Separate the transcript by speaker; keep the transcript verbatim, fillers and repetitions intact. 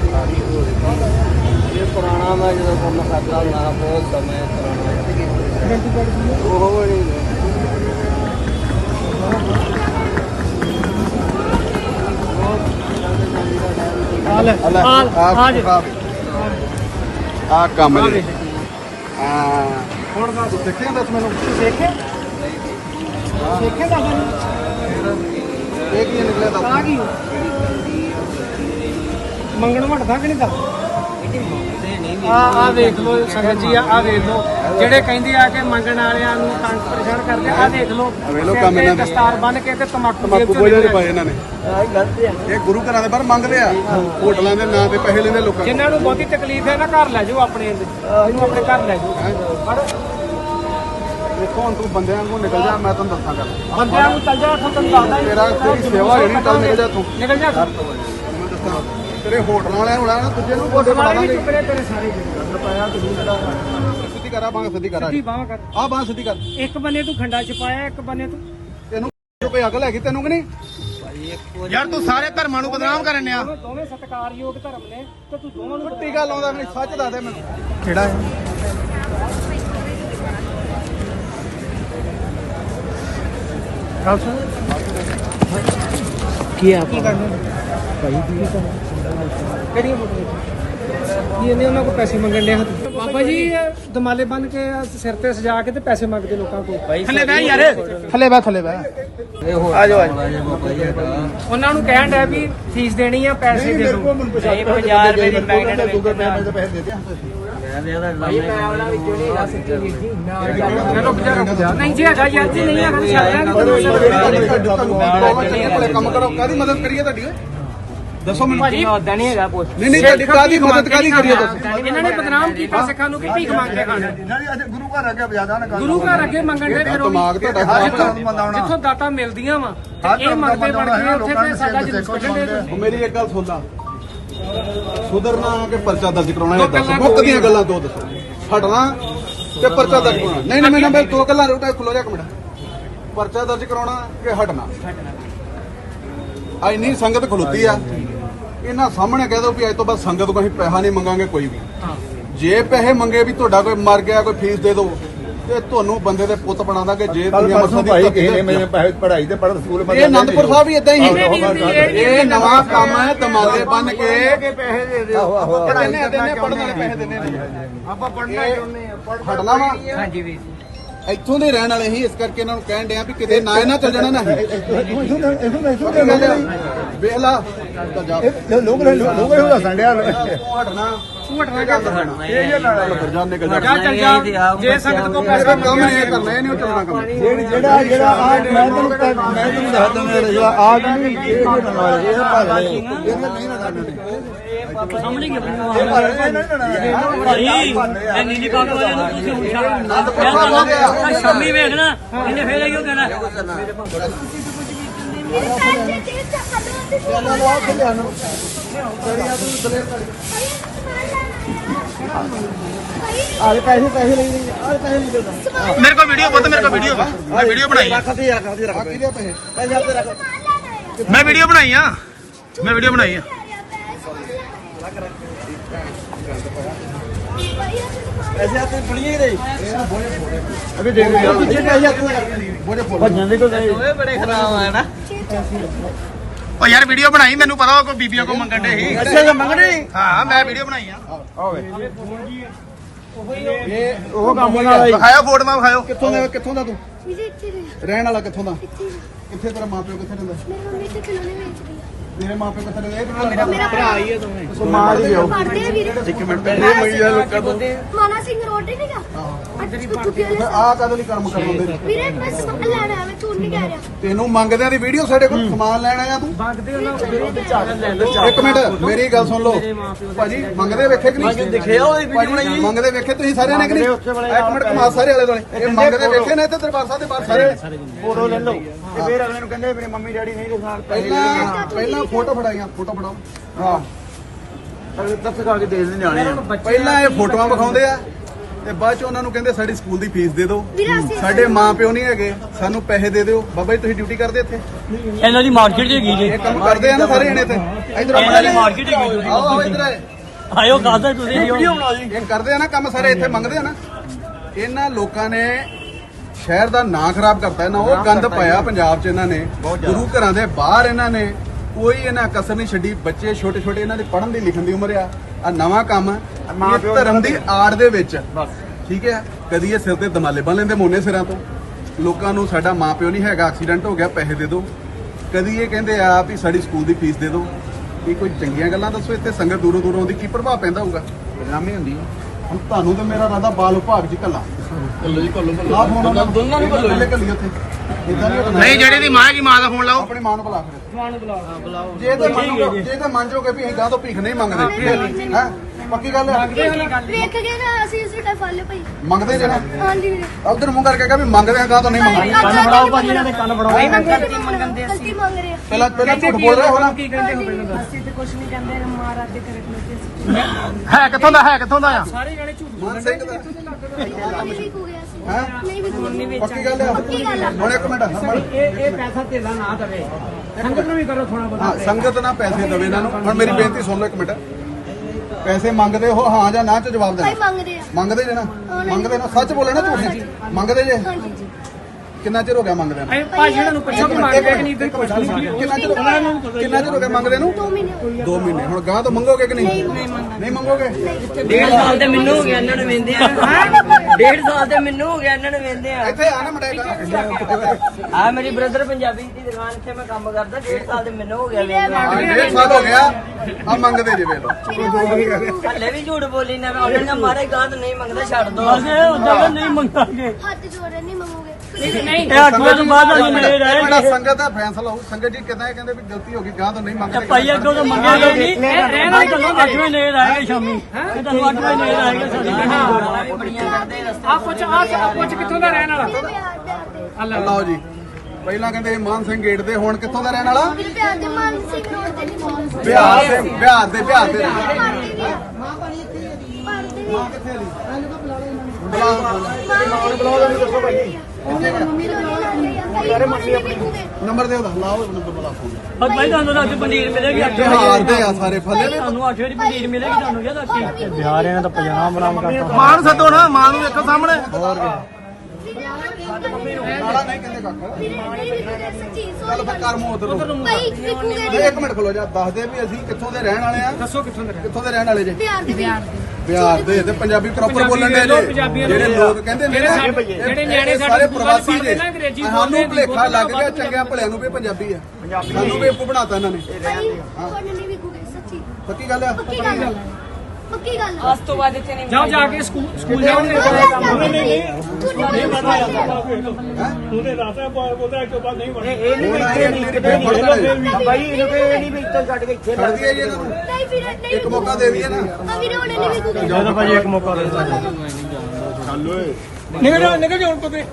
Speaker 1: ये पुराना मैं जो काम करता ना बहुत समय पुराना वो नहीं
Speaker 2: हाल हाल आज
Speaker 3: आ काम है हां कौन सा तू देखे दस मैंने
Speaker 2: देखे देखे दस
Speaker 3: एक ही निकले था
Speaker 2: आ गई ਮੰਗਣ ਵਟਦਾ ਕਿ ਨਹੀਂ ਦਾ ਆ ਆ ਵੇਖ ਲੋ ਸੰਗਤ ਜੀ ਆ ਵੇਖ ਲੋ ਜਿਹੜੇ ਕਹਿੰਦੇ ਆ ਕਿ ਮੰਗਣ ਵਾਲਿਆਂ ਨੂੰ ਤੰਗ ਪਰੇਸ਼ਾਨ ਕਰਦੇ ਆ ਵੇਖ ਲੋ
Speaker 3: ਵੇਖ ਲੋ ਕੰਮ ਇਹਨਾਂ ਦੇ
Speaker 2: ਦਸਤਾਰ ਬੰਨ ਕੇ ਤੇ ਤਮਾਕੂ
Speaker 3: ਤਮਾਕੂ ਬੋਝਾਂ ਦੇ ਪਾਏ ਇਹਨਾਂ ਨੇ ਇਹ ਗੁਰੂ ਘਰਾਂ ਦੇ ਬਾਹਰ ਮੰਗਦੇ ਆ ਹੋਟਲਾਂ ਦੇ ਨਾਂ ਤੇ ਪੈਸੇ ਲੈਂਦੇ ਲੋਕਾਂ
Speaker 2: ਜਿਨ੍ਹਾਂ ਨੂੰ ਬਹੁਤੀ ਤਕਲੀਫ ਹੈ ਨਾ ਘਰ ਲੈ ਜਾਓ ਆਪਣੇ ਇਹਨੂੰ ਆਪਣੇ ਘਰ ਲੈ ਜਾਓ ਪਰ
Speaker 3: ਦੇਖੋ ਹੁਣ ਤੂੰ ਬੰਦਿਆਂ ਨੂੰ ਨਿਕਲ ਜਾ ਮੈਂ ਤੈਨੂੰ ਦੱਸਾਂ ਗੱਲ
Speaker 2: ਬੰਦਿਆਂ ਨੂੰ ਚੱਲ ਜਾ ਇੱਥੋਂ ਤੈਨੂੰ ਦੱਸਦਾ
Speaker 3: ਤੇਰਾ ਤੇਰੀ ਸੇਵਾ ਜਿਹੜੀ ਚੱਲ ਨਿਕਲ ਜਾ ਤੂੰ
Speaker 2: ਨਿਕਲ ਜਾ
Speaker 3: ਮੈਂ ਦੱਸਾਂ ਤੇਰੇ ਹੋਟਲਾਂ ਵਾਲਿਆਂ ਨੂੰ ਨਾ ਦੂਜੇ ਨੂੰ ਬੋਡੇ ਪਾ ਦਾਂਗੇ
Speaker 2: ਚੁੱਕਰੇ ਤੇਰੇ ਸਾਰੇ
Speaker 3: ਪਾਇਆ ਤੂੰ ਸਿੱਧੀ ਕਰਾ ਬਾਂਹ ਸਿੱਧੀ ਕਰਾ
Speaker 2: ਸਿੱਧੀ ਬਾਹ ਕਰ
Speaker 3: ਆ ਬਾਂਹ ਸਿੱਧੀ ਕਰ
Speaker 2: ਇੱਕ ਬੰਨੇ ਤੂੰ ਖੰਡਾ ਛਪਾਇਆ ਇੱਕ ਬੰਨੇ ਤੂੰ
Speaker 3: ਤੈਨੂੰ ਜੋ ਕੋਈ ਅਕਲ ਹੈਗੀ ਤੈਨੂੰ ਕਿ ਨਹੀਂ ਯਾਰ ਤੂੰ ਸਾਰੇ ਧਰਮਾਂ ਨੂੰ ਬਦਨਾਮ ਕਰਨ ਆ
Speaker 2: ਦੋਵੇਂ ਦੋਵੇਂ ਸਤਿਕਾਰਯੋਗ ਧਰਮ ਨੇ ਤੇ ਤੂੰ ਦੋਵਾਂ ਨੂੰ
Speaker 3: ਟੀਕਾ ਲਾਉਂਦਾ ਮੈਨੂੰ ਸੱਚ ਦੱਸ ਦੇ ਮੈਨੂੰ ਕਿਹੜਾ ਹੈ
Speaker 2: ਗੱਲ ਸੁਣ ਕੀ ਆ ਕੀ ਕਰਨਾ ਭਾਈ ਕੀ ਕਰਨਾ ਕਿਹੜੀਆਂ ਫੋਟੋ ਇਹ ਇਹਨੇ ਉਹਨਾਂ ਕੋਲ ਪੈਸੇ ਮੰਗਣ ਲਿਆ ਬਾਬਾ ਜੀ ਦਮਾਲੇ ਬੰਨ ਕੇ ਸਿਰ ਤੇ ਸਜਾ ਕੇ ਤੇ ਪੈਸੇ ਮੰਗਦੇ ਲੋਕਾਂ ਕੋਲ ਥੱਲੇ ਬਹਿ ਯਾਰ ਥੱਲੇ ਬਹਿ ਥੱਲੇ ਬਹਿ
Speaker 1: आ जाओ
Speaker 2: ਉਹਨਾਂ ਨੂੰ ਕਹਿਣ ਡਿਆ ਵੀ ਫੀਸ ਦੇਣੀ ਆ ਪੈਸੇ ਦੇ ਦਿਓ
Speaker 1: नहीं पचास रुपए की पैकेट
Speaker 3: ਗੂਗਲ ਪੇ ਦੇ ਪੈਸੇ ਦੇ ਦੇ
Speaker 2: ਰੁਕ ਜਾ ਰੁਕ ਜਾ ਨਹੀਂ ਜੀ ਹੈਗਾ ਯਾਰ ਜੀ ਨਹੀਂ ਹੈਗਾ ਛੱਡਾਂਗੇ
Speaker 3: ਕੰਮ ਕਰੋ ਕਾਦੀ ਮਦਦ ਕਰੀਏ ਤੁਹਾਡੀ ਦੱਸੋ ਮੈਨੂੰ
Speaker 2: ਭਾਜੀ
Speaker 1: उदा नहीं है कुछ
Speaker 3: ਨਹੀਂ ਨਹੀਂ ਤੁਹਾਡੀ ਕਾਦੀ ਮਦਦ ਕਾਦੀ ਕਰੀਏ ਦੱਸੋ
Speaker 2: ਇਹਨਾਂ ਨੇ ਬਦਨਾਮ ਕੀਤਾ ਸਿੱਖਾਂ ਨੂੰ ਕਿ ਭੀਖ ਮੰਗ ਕੇ ਖਾਣਾ
Speaker 3: ਗੁਰੂ ਘਰ ਅੱਗੇ ਬਜਾਦਾ ਨਾ
Speaker 2: ਗੁਰੂ ਘਰ ਅੱਗੇ ਮੰਗਣ ਦੇ ਫਿਰ ਉਹ ਵੀ
Speaker 3: ਦਿਮਾਗ ਤੁਹਾਡਾ
Speaker 2: ਜਿੱਥੋਂ ਜਿੱਥੋਂ ਦਾਤਾ ਮਿਲਦੀਆਂ ਵਾ ਇਹ ਮੰਗਦੇ ਬਣ ਕੇ ਉੱਥੇ ਤੇ ਸਾਡਾ ਜਲੂਸ ਕੱਢਣ ਦੇ
Speaker 3: ਮੇਰੀ ਇੱਕ ਗੱਲ ਸੁਣ ਲਾ ਸੁਧਰਨਾ ਕਿ ਪਰਚਾ ਦਰਜ ਕਰਾਉਣਾ ਇਹ ਦੱਸ ਮੁੱਕ ਦੀਆਂ ਗੱਲਾਂ ਦੋ ਦੱਸੋ ਹਟਣਾ ਤੇ ਪਰਚਾ ਦਰਜ ਕਰਾਉਣਾ ਨਹੀਂ ਨਹੀਂ ਮੈਨੂੰ ਦੋ ਗੱਲਾਂ ਰੋਟਾ ਖੁੱਲੋ ਜਾ ਇੱਕ ਮਿੰਟ ਪਰਚਾ ਦਰਜ ਕਰਾਉਣਾ ਕਿ ਹਟਣਾ ਆ ਇੰਨੀ ਸੰਗਤ ਖਲੋਤੀ ਆ ਇਹਨਾਂ ਸਾਹਮਣੇ ਕਹਿ ਦੋ ਵੀ ਅੱਜ ਤੋਂ ਬਾਅਦ ਸੰਗਤ ਕੋਈ ਪੈਸਾ ਨਹੀਂ ਮੰਗਾਂਗੇ ਕੋਈ ਵੀ ਜੇ ਪੈਸੇ ਮੰਗੇ ਵੀ ਤੁਹਾਡਾ ਕੋਈ ਮਰ ਗਿਆ ਕੋਈ ਫੀਸ ਦੇ ਦਿਓ ਤੇ ਤੁਹਾਨੂੰ ਬੰਦੇ ਦੇ ਪੁੱਤ ਬਣਾ ਦਾਂਗੇ ਜੇ ਤੁਸੀਂ
Speaker 4: ਪਰਸੋਂ ਭਾਈ ਕਿਸੇ ਨੇ ਮੇਰੇ ਪੈਸੇ ਪੜਾਈ ਤੇ ਪੜ੍ਹ ਸਕੂਲ
Speaker 3: ਇਹ ਅਨੰਦਪੁਰ ਸਾਹਿਬ ਵੀ ਇਦਾਂ ਹੀ ਇਹ ਨਵਾਂ ਕੰਮ ਹੈ ਤਮਾਲੇ ਬੰਨ ਕੇ
Speaker 4: ਪੈਸੇ ਦੇ ਦਿਓ
Speaker 3: ਦਿੰਨੇ ਦਿੰਨੇ ਪੜਨ ਵਾਲੇ ਪੈਸੇ ਦਿੰਨੇ ਨੇ
Speaker 2: ਆਪਾਂ ਪੜਨਾ ਚਾਹੁੰਦੇ ਆ
Speaker 3: ਹਟਣਾ ਵਾ
Speaker 2: ਹਾਂਜੀ ਵੀ
Speaker 3: ਇੱਥੋਂ ਦੇ ਰਹਿਣ ਵਾਲੇ ਹੀ ਇਸ ਕਰਕੇ ਇਹਨਾਂ ਨੂੰ ਕਹਿਣ ਡਿਆ ਵੀ ਕਿਤੇ ਨਾ ਇਹਨਾਂ ਚੱਲ ਜਾਣਾ ਨਹੀਂ ਵੇਖ ਲਾ
Speaker 4: ਲੋਕ ਲੋਕ ਇਹੋ ਦੱਸਣ ਡਿਆ
Speaker 3: ਤੂੰ ਹਟਣਾ
Speaker 2: ਤੂੰ ਹਟਣਾ ਕਰ
Speaker 4: ਇਹ ਜੇ ਨਾਲ
Speaker 3: ਫਿਰ ਜਾ ਨਿਕਲ ਜਾ
Speaker 2: ਜਾ ਚੱਲ ਜਾ ਜੇ ਸੰਗਤ ਕੋ ਪੈਸੇ
Speaker 3: ਇਹਦਾ ਕੰਮ ਨਹੀਂ ਕਰਨਾ ਇਹ ਨਹੀਂ ਚੱਲਣਾ ਕੰਮ
Speaker 4: ਜਿਹੜਾ ਜਿਹੜਾ ਆ ਮੈਂ ਤੁਹਾਨੂੰ ਮੈਂ ਤੁਹਾਨੂੰ ਦੱਸਦਾ ਮੈਂ ਜਿਹੜਾ ਆ ਨਹੀਂ ਇਹ ਨਾਲ ਇਹ ਭਾਲ ਲੈ ਇਹ ਨਹੀਂ ਨਾ ਕਰਨਾ
Speaker 1: सामने के
Speaker 4: ਇਹ ਭਾਲ ਨਹੀਂ ਨਾ
Speaker 1: भाई नीली पाग वाले ਨੂੰ ਤੁਸੀਂ ਹੁਣ
Speaker 3: ਅਨੰਦਪੁਰ ਸਾਹਿਬ ਹੋ ਗਿਆ
Speaker 1: ਸ਼ਾਮੀ ਵੇਖਣਾ ਇਹਨੇ ਫੇਰ ਕਿਉਂ ਕਹਿਣਾ
Speaker 4: ਆਲੇ ਪੈਸੇ ਪੈਸੇ ਲਈ ਨਹੀਂ ਆਲੇ ਪੈਸੇ ਨਹੀਂ ਦੇਦਾ
Speaker 3: ਮੇਰੇ ਕੋਲ ਵੀਡੀਓ ਬਹੁਤ ਮੇਰੇ ਕੋਲ ਵੀਡੀਓ ਵਾ ਮੈਂ ਵੀਡੀਓ ਬਣਾਈ
Speaker 4: ਰੱਖ ਤੇ ਰੱਖ ਤੇ ਰੱਖ
Speaker 3: ਕਿਹਦੇ ਪੈਸੇ
Speaker 4: ਪੈਸੇ ਆਪੇ ਰੱਖ
Speaker 3: ਮੈਂ ਵੀਡੀਓ ਬਣਾਈ ਆ ਮੈਂ ਵੀਡੀਓ ਬਣਾਈ ਆ
Speaker 4: ਪੈਸੇ ਆਪੇ ਫੜੀਏ ਨਹੀਂ ਅਬੇ ਦੇਖ ਲਿਆ ਪਿੱਛੇ ਪੈਸੇ ਆਪੇ ਬੋਲੇ ਭੱਜਣ ਦੇ ਕੋਲ ਨਹੀਂ
Speaker 1: ਓਏ ਬੜੇ ਖਰਾਬ ਆ ਨਾ
Speaker 3: ਓ ਯਾਰ ਵੀਡੀਓ ਬਣਾਈ ਮੈਨੂੰ ਪਤਾ ਕੋਈ ਬੀਬੀਆਂ ਕੋ ਮੰਗਣ ਦੇ ਸੀ
Speaker 4: ਅੱਛਾ ਜੇ ਮੰਗਣੇ
Speaker 3: ਹਾਂ ਮੈਂ ਵੀਡੀਓ ਬਣਾਈ ਆ
Speaker 4: ਆਵੇ ਇਹ ਉਹ ਕੰਮ ਨਾਲ ਆਈ
Speaker 3: ਵਿਖਾਇਓ ਫੋਟੋਆਂ ਵਿਖਾਇਓ
Speaker 4: ਕਿੱਥੋਂ ਦਾ ਕਿੱਥੋਂ ਦਾ ਤੂੰ
Speaker 3: ਰਹਿਣ ਵਾਲਾ ਕਿੱਥੋਂ ਦਾ ਕਿੱਥੇ ਤੇਰਾ ਮਾਪਿਓ ਕਿੱਥੇ ਰਹਿੰਦਾ ਮੇਰੇ ਮਾਪਿਓ ਕਿੱਥੇ ਰਹਿੰਦੇ
Speaker 2: ਮੇਰਾ ਭਰਾ ਹੀ ਹੈ ਦੋਵੇਂ
Speaker 4: ਸੋ ਮਾਂ ਦੀ ਵਿਆਹ
Speaker 5: ਪੜਦੇ ਆ ਵੀਰੇ
Speaker 3: ਇੱਕ ਮਿੰਟ ਪਹਿਲੇ ਮਈਆ ਲੋਕਾਂ ਤੋਂ
Speaker 5: ਮਾਨਾ ਸਿੰਘ ਰੋਡ ਨਹੀਂ ਗਾ ਅੱਜ ਤੂੰ ਚੁੱਕਿਆ ਲੈ
Speaker 3: ਆਹ ਕਦੋਂ ਨਹੀਂ ਕੰਮ ਕਰਵਾਉਂਦੇ
Speaker 5: ਵੀਰੇ ਮੈਂ ਸਮਾਨ ਲੈਣਾ ਹੈ ਮੈਂ ਝੂਠ ਨਹੀਂ ਕਹਿ ਰਿਹਾ
Speaker 3: ਤੈਨੂੰ ਮੰਗਦਿਆਂ ਦੀ ਵੀਡੀਓ ਸਾਡੇ ਕੋਲ ਸਮਾਨ ਲੈਣ ਆਇਆ ਤੂੰ
Speaker 2: ਮੰਗਦੇ ਉਹਨਾਂ ਕੋਲ ਵਿਰੋਧ ਝਾੜ ਲੈ ਲਓ
Speaker 3: ਇੱਕ ਮਿੰਟ ਮੇਰੀ ਗੱਲ ਸੁਣ ਲਓ ਭਾਜੀ ਮੰਗਦੇ ਵੇਖੇ ਕਿ ਨਹੀਂ
Speaker 4: ਦਿਖਿਆ ਉਹਦੀ ਵੀਡੀਓ ਬਣਾਈ
Speaker 3: ਮੰਗਦੇ ਵੇਖੇ ਤੁਸੀਂ ਸਾਰਿਆਂ ਨੇ ਕਿ ਨਹੀਂ ਇੱਕ ਮਿੰਟ ਕਮਾ ਸਾਰੇ ਵਾਲੇ ਦੋਲੇ ਇਹ ਮੰਗਦੇ ਵੇਖੇ ਨੇ ਤੇ ਦਰਬਾਰ ਸਾਹਿਬ ਦੇ ਬਾਹਰ ਸਾਰੇ
Speaker 4: ਫੋਟੋ ਲੈ ਲਓ ਤੇ ਫਿਰ ਅਗਲੇ ਨੂੰ ਕਹਿੰਦੇ ਮੇਰੇ ਮੰਮੀ ਡੈਡੀ ਨਹੀਂ ਦਿਖਾਣ
Speaker 3: ਪਹਿਲਾਂ ਪਹਿਲਾਂ ਫੋਟੋ ਫੜਾਈਆਂ ਫੋਟੋ ਫੜਾਓ ਹਾਂ
Speaker 4: ਅਗਲੇ ਦੱਸ ਖਾ ਕੇ ਦੇ ਦੇ ਨਿਆਣੇ ਆ
Speaker 3: ਪਹਿਲਾਂ ਇਹ ਫੋਟੋਆਂ ਵਿਖਾਉਂਦੇ ਆ ਤੇ ਬਾਅਦ ਚ ਉਹਨਾਂ ਨੂੰ ਕਹਿੰਦੇ ਸਾਡੀ ਸਕੂਲ ਦੀ ਫੀਸ ਦੇ ਦਿਓ
Speaker 5: ਵੀਰੇ ਅਸੀਂ
Speaker 3: ਸਾਡੇ ਮਾਂ ਪਿਓ ਨਹੀਂ ਹੈਗੇ ਸਾਨੂੰ ਪੈਸੇ ਦੇ ਦਿਓ ਬਾਬਾ ਜੀ ਤੁਸੀਂ ਡਿਊਟੀ ਕਰਦੇ ਇੱਥੇ
Speaker 6: ਇਹਨਾਂ ਦੀ ਮਾਰਕੀਟ ਹੈਗੀ ਜੀ
Speaker 3: ਇਹ ਕੰਮ ਕਰਦੇ ਆ ਨਾ ਸਾਰੇ ਜਣੇ ਇੱਥੇ ਇਧਰ
Speaker 6: ਇਹਨਾਂ ਦੀ ਮਾਰਕੀਟ ਹੈਗੀ ਤੁਸੀਂ
Speaker 3: ਆਓ ਆਓ ਇਧਰ
Speaker 6: ਆਇਓ ਕਾਹਦਾ ਤੁਸੀਂ
Speaker 3: ਇਹ ਕਰਦੇ ਆ ਨਾ ਕੰਮ ਸਾਰੇ ਇੱਥੇ ਮੰਗਦੇ ਆ ਨਾ ਇਹਨਾਂ ਲੋਕਾਂ ਨੇ ਸ਼ਹਿਰ ਦਾ ਨਾਂ ਖਰਾਬ ਕਰਤਾ ਇਹਨਾਂ ਉਹ ਗੰਦ ਪਾਇਆ ਪੰਜਾਬ 'ਚ ਇਹਨਾਂ ਨੇ ਗੁਰੂ ਘਰਾਂ ਦੇ ਬਾਹਰ ਇਹਨਾਂ ਨੇ ਕੋਈ ਇਹਨਾਂ ਕਸਰ ਨਹੀਂ ਛੱਡੀ ਬੱਚੇ ਛੋਟੇ ਛੋਟੇ ਇਹਨਾਂ ਦੀ ਪੜ੍ਹਨ ਦੀ ਲਿਖਣ ਦੀ ਉਮਰ ਆ ਆ ਨਵਾਂ ਕੰਮ ਇਹ ਧਰਮ ਦੀ ਆੜ ਦੇ ਵਿੱਚ ਠੀਕ ਹੈ ਕਦੀ ਇਹ ਸਿਰ ਤੇ ਦਮਾਲੇ ਬੰਨ ਲੈਂਦੇ ਮੋਨੇ ਸਿਰਾਂ ਤੋਂ ਲੋਕਾਂ ਨੂੰ ਸਾਡਾ ਮਾਂ ਪਿਓ ਨਹੀਂ ਹੈਗਾ ਐਕਸੀਡੈਂਟ ਹੋ ਗਿਆ ਪੈਸੇ ਦੇ ਦਿਓ ਕਦੀ ਇਹ ਕਹਿੰਦੇ ਆ ਵੀ ਸਾਡੀ ਸਕੂਲ ਦੀ ਫੀਸ ਦੇ ਦਿਓ ਇਹ ਕੋਈ ਚੰਗੀਆਂ ਗੱਲਾਂ ਦੱਸੋ ਇੱਥੇ ਸੰਗਤ ਦੂਰੋਂ ਦੂਰੋਂ ਆਉਂਦੀ ਕੀ ਪ੍ਰਭਾਵ ਪੈਂਦਾ ਹੋਊਗਾ ਬਦਨਾਮੀ ਹੁੰਦੀ ਹੈ ਹੁਣ ਤੁਹਾਨੂੰ ਤੇ ਮੇਰਾ ਰਾਦਾ ਬਾਲ ਵਿਭਾਗ 'ਚ ਕੱਲਾ ਕੱਲੋ ਜੀ ਕੱਲੋ ਆ ਫੋਨ ਉਹਨਾਂ ਦੋਨਾਂ ਨੂੰ ਕੱਲੋ ਕੱਲੀ ਉੱਥੇ ਇਦਾਂ
Speaker 2: ਨਹੀਂ ਜਿਹੜੇ ਦੀ ਮਾਂ ਕੀ ਮਾਂ ਦਾ ਫੋਨ ਲਾਓ
Speaker 3: ਆਪਣੀ ਮਾਂ ਨੂੰ ਬੁਲਾ ਫਿਰ ਮਾਂ ਨੂੰ ਬੁਲਾਓ ਜੇ ਤੇ ਮੰਨੋਗੇ ਜੇ ਤੇ ਮੰਨ ਜਾਓਗੇ ਵੀ ਅਸੀਂ ਗਾਂ ਤੋਂ ਭੀਖ ਨਹੀਂ ਮੰਗਦੇ ਹੈ ਪੱਕੀ ਗੱਲ ਹੈ
Speaker 5: ਵੇਖ ਕੇ ਨਾ ਅਸੀਂ ਇਸ ਟਾਈਮ ਫੜ ਲਿਆ ਭਾਈ
Speaker 3: ਮੰਗਦੇ ਜੇ ਨਾ
Speaker 5: ਹਾਂਜੀ ਵੀਰੇ
Speaker 3: ਉਧਰ ਮੂੰਹ ਕਰਕੇ ਕਹਾਂ ਵੀ ਮੰਗਦੇ ਆ ਗਾਂ ਤੋਂ ਨਹੀਂ ਮੰਗਦੇ
Speaker 5: ਕੰਨ ਫੜਾਓ ਭਾਜੀ ਇਹਨਾਂ ਦੇ ਕੰਨ ਫੜਾਓ ਨਹੀਂ ਗਲਤੀ ਮੰਗਣ ਦੇ ਅਸੀਂ ਮੰਗ ਰਹੇ ਆ
Speaker 3: ਪਹਿਲਾਂ ਪਹਿਲਾਂ ਝੂਠ ਬੋਲ ਰਹੇ ਹੋ ਨਾ
Speaker 2: ਕੀ ਕਹਿੰਦੇ ਹੋ ਪਹਿਲਾਂ
Speaker 5: ਅਸੀਂ ਤੇ ਕੁਝ ਨਹੀਂ ਕਹਿੰਦੇ ਮਹਾਰਾਜ ਦੇ ਕਰੇ ਕੋਲ
Speaker 2: ਹੈ ਕਿੱਥੋਂ ਦਾ ਹੈ ਕਿੱਥੋਂ ਦਾ ਆ ਸਾਰੇ ਜਣੇ ਝੂਠ
Speaker 3: ਮਾਨ ਸਿੰਘ ਦਾ
Speaker 5: ਨਹੀਂ ਵੀ ਹੋ ਗਿਆ ਸੀ
Speaker 3: ਹੈ
Speaker 5: ਨਹੀਂ ਵੀ
Speaker 3: ਪੱਕੀ ਗੱਲ ਹੈ
Speaker 5: ਪੱਕੀ ਗੱਲ ਆ
Speaker 3: ਹੁਣ ਇੱਕ ਮਿੰਟ ਹਰਮਨ
Speaker 2: ਇਹ ਇਹ ਪੈਸਾ ਧੇਲਾ ਨਾ ਦੇਵੇ ਸੰਗਤ ਨੂੰ ਵੀ ਕਰੋ ਥੋੜਾ
Speaker 3: ਹਾਂ ਸੰਗਤ ਨਾ ਪੈਸੇ ਦੇਵੇ ਇਹਨਾਂ ਨੂੰ ਹੁਣ ਮੇਰੀ ਬੇਨਤੀ ਸੁਣ ਲਓ ਇੱਕ ਮਿੰਟ ਪੈਸੇ ਮੰਗਦੇ ਹੋ ਹਾਂ ਜਾਂ ਨਾ ਚ ਜਵਾਬ
Speaker 5: ਭਾਈ
Speaker 3: ਦੇਣਾ
Speaker 5: ਮੰਗਦੇ ਆ
Speaker 3: ਮੰਗਦੇ ਜੇ ਨਾ ਮੰਗਦੇ ਨਾ ਸੱਚ ਬੋਲੇ ਨਾ ਝੂਠ ਨਹੀਂ ਮੰਗਦੇ ਜੇ
Speaker 5: ਹਾਂਜੀ ਜੀ
Speaker 3: ਕਿੰਨਾ ਚਿਰ ਹੋ ਗਿਆ ਮੰਗਦੇ ਨੂੰ
Speaker 2: ਐ ਭਾਜੀ ਇਹਨਾਂ ਨੂੰ ਪੁੱਛੋ ਕਿ ਮੰਗਦੇ ਕਿ ਨਹੀਂ ਇੱਧਰ ਪੁੱਛ ਲਓ
Speaker 3: ਕਿੰਨਾ ਚਿਰ ਕਿੰਨਾ ਚਿਰ ਹੋ ਗਿਆ ਮੰਗਦੇ ਨੂੰ
Speaker 5: ਦੋ ਮਹੀਨੇ
Speaker 3: ਦੋ ਮਹੀਨੇ ਹੁਣ ਗਾਂ ਤੋਂ ਮੰਗੋਗੇ ਕਿ ਨਹੀਂ ਨਹੀਂ ਮੰਗੋਗੇ
Speaker 6: ਡੇਢ ਸਾਲ ਤੇ ਮੈਨੂੰ ਹੋ ਗਿਆ ਇਹਨਾਂ ਨੂੰ ਵੇਂਦੇ ਆ ਡੇਢ ਸਾਲ ਤੇ ਮੈਨੂੰ ਹੋ ਗਿਆ ਇਹਨਾਂ ਨੂੰ ਵੇਂਦੇ ਆ
Speaker 3: ਇੱਥੇ ਆ ਨਾ ਮੜੇਗਾ
Speaker 6: ਆ ਮੇਰੀ ਬ੍ਰਦਰ ਪੰਜਾਬੀ ਦੀ ਦੁਕਾਨ ਇੱਥੇ ਮੈਂ ਕੰਮ ਕਰਦਾ ਡੇਢ ਸਾਲ ਤੇ ਮੈਨੂੰ ਹੋ ਗਿਆ ਵੇਂਦੇ
Speaker 3: ਡੇਢ ਸਾਲ ਹੋ ਗਿਆ ਆ ਮੰਗਦੇ ਜੇ ਵੇਖ ਲਓ
Speaker 6: ਹੱਲੇ ਵੀ ਝੂਠ ਬੋਲੀ ਨਾ ਉਹਨਾਂ ਨੇ ਮਾਰੇ ਗਾਂ ਤਾਂ ਨਹੀਂ ਮੰਗਦਾ ਛੱਡ ਦੋ ਅਸੀਂ ਉਦਾਂ ਨਹੀਂ ਮੰਗਾਂਗੇ
Speaker 5: ਹੱਥ ਜੋੜੇ ਨਹੀਂ ਮੰਗੋਗੇ
Speaker 2: ਨਹੀਂ
Speaker 6: ਇਹ ਅੱਠ ਵਜੇ ਤੋਂ ਬਾਅਦ ਅਸੀਂ ਮਿਲੇ ਰਹੇ
Speaker 3: ਬੜਾ ਸੰਗਤ ਦਾ ਫੈਸਲਾ ਹੋਊ ਸੰਗਤ ਜੀ ਕਿਦਾਂ ਕਹਿੰਦੇ ਵੀ ਗਲਤੀ ਹੋ ਗਈ ਗਾਂ ਤੋਂ ਨਹੀਂ ਮੰਗਦੇ
Speaker 6: ਭਾਈ ਅੱਗੋਂ ਤਾਂ ਮੰਗਿਆ ਨਹੀਂ ਰਹਿਣਾ ਚਲੋ ਅੱਠ ਵਜੇ ਨੇੜ ਆਏਗਾ ਸ਼ਾਮੀ ਇਹ ਤੁਹਾਨੂੰ ਅੱਠ ਵਜੇ ਨੇੜ ਆਏਗਾ ਸਾਡੀ ਬੜੀਆਂ ਕਰਦੇ ਰਸਤੇ
Speaker 2: ਆ ਪੁੱਛ ਆ ਪੁੱਛ ਕਿੱਥੋਂ ਦਾ ਰਹਿਣ ਵਾਲਾ
Speaker 5: ਪਿਆਰ ਪਿਆਰ ਦੇ
Speaker 3: ਲਓ ਜੀ ਪਹਿਲਾਂ ਕਹਿੰਦੇ ਮਾਨ ਸਿੰਘ ਗੇਟ ਦੇ ਹੁਣ ਕਿੱਥੋਂ ਦਾ ਰਹਿਣ ਵਾਲਾ
Speaker 5: ਮੇਰੇ ਪਿਆਰ ਦੇ ਮਾਨ ਸਿੰਘ ਰੋਡ ਤੇ ਨਹੀਂ ਬੋਲਦਾ
Speaker 3: ਬਿਹਾਰ ਦੇ ਬਿਹਾਰ ਦੇ ਬਿਹਾਰ ਦੇ
Speaker 5: ਮਾਂ ਪਾਣੀ ਇੱਥੇ ਪੜਦੇ
Speaker 3: ਮਾਂ ਕਿੱਥੇ ਵਾਲੀ ਬੁਲਾ ਮਾਂ ਨੂੰ ਬੁਲਾਓ ਜੀ ਦੱਸੋ ਭਾਈ ਨੰਬਰ ਦਿਓ ਦਾ ਲਾਓ ਨੰਬਰ ਬੁਲਾ ਫੋਨ
Speaker 6: ਬਸ ਭਾਈ ਤੁਹਾਨੂੰ ਅੱਜ ਪਨੀਰ ਮਿਲੇਗੀ ਅੱਠ
Speaker 3: ਬਿਹਾਰ ਦੇ ਆ ਸਾਰੇ ਫੱਲੇ ਦੇ
Speaker 6: ਤੁਹਾਨੂੰ ਅੱਠ ਵਜੇ ਪਨੀਰ ਮਿਲੇਗੀ ਤੁਹਾਨੂੰ ਕਿਹਦਾ ਕੀ
Speaker 2: ਬਿਹਾਰ ਇਹਨਾਂ ਦਾ ਪਜਾਮਾ ਬਰਾਮ ਕਰਤਾ
Speaker 3: ਮਾਂ ਨੂੰ ਸੱਦੋ ਨਾ ਮਾਂ ਨੂੰ ਵੇਖੋ ਸਾਹਮਣੇ ਹੋਰ ਨਾਲਾ ਨਹੀਂ ਕਹਿੰਦੇ ਕੱਖ ਚੱਲ ਫਿਰ ਕਰ ਮੂੰਹ ਉਧਰ ਨੂੰ
Speaker 5: ਭਾਈ ਵਿਕੂਗੇ
Speaker 3: ਨਹੀਂ ਇੱਕ ਮਿੰਟ ਖਲੋ ਜਾ ਦੱਸ ਦੇ ਵੀ ਅਸੀਂ ਕਿੱਥੋਂ ਦੇ ਰਹਿਣ ਵਾਲੇ ਆ
Speaker 2: ਦੱਸੋ ਕਿੱਥੋਂ ਦਾ
Speaker 3: ਕਿੱਥੋਂ ਦੇ ਰਹਿਣ ਵਾਲੇ ਜੇ
Speaker 5: ਬਿਹਾਰ ਦੇ ਬਿਹਾਰ ਦੇ
Speaker 3: ਬਿਹਾਰ ਦੇ ਤੇ ਪੰਜਾਬੀ ਪ੍ਰੋਪਰ ਬੋਲਣ ਦੇ ਜੇ ਜਿਹੜੇ ਲੋਕ ਕਹਿੰਦੇ ਨੇ ਨਾ
Speaker 2: ਜਿਹੜੇ ਨਿਆਣੇ ਸਾਡੇ
Speaker 3: ਸਾਰੇ ਪ੍ਰਵਾਸੀ
Speaker 2: ਪੜ੍ਹਦੇ
Speaker 3: ਜੇ
Speaker 2: ਨਾ ਅੰਗਰੇਜ਼ੀ
Speaker 3: ਸਾਨੂੰ ਭੁਲੇਖਾ ਲੱਗ ਗਿਆ ਚੰਗਿਆਂ ਭਲਿਆਂ ਨੂੰ ਵੀ ਪੰਜਾਬੀ ਆ ਸਾਨੂੰ ਵੀ ਬਣਾਤਾ ਇਹਨਾਂ ਨੇ
Speaker 5: ਭਾਈ ਕੋਣ ਨਹੀਂ ਵਿਕੂਗੇ ਸੱਚੀ
Speaker 3: ਪੱਕੀ ਗੱਲ ਆ
Speaker 5: ਪੱਕੀ ਗੱਲ ਆ। ਪੱਕੀ ਗੱਲ ਆ।
Speaker 6: ਉਸ ਤੋਂ ਬਾਅਦ ਇੱਥੇ ਨਹੀਂ
Speaker 2: ਜਾਓ ਜਾ ਕੇ ਸਕੂਲ ਸਕੂਲ ਜਾਓ
Speaker 5: ਨਹੀਂ ਨਹੀਂ
Speaker 3: ਭਾਈ ਇਹਨੂੰ ਕੋਈ ਨਹੀਂ ਵੀ ਇੱਥੇ ਛੱਡ ਕੇ ਇੱਥੇ ਛੱਡ ਦਈਏ ਜੀ ਇਹਨਾਂ ਨੂੰ
Speaker 5: ਨਹੀਂ ਵੀਰੇ ਨਹੀਂ
Speaker 3: ਇੱਕ ਮੌਕਾ ਦੇ ਦਈਏ ਨਾ
Speaker 5: ਆ ਵੀਰੇ ਉਹਨੇ ਨਹੀਂ ਵਿਕੂਗੇ
Speaker 2: ਭਾਜੀ ਇੱਕ ਮੌਕਾ ਦੇ
Speaker 3: ਚੱਲ ਓਏ
Speaker 2: ਨਿਕਲ ਜਾ ਨਿਕਲ ਜਾ ਹੁਣ ਪਤੇ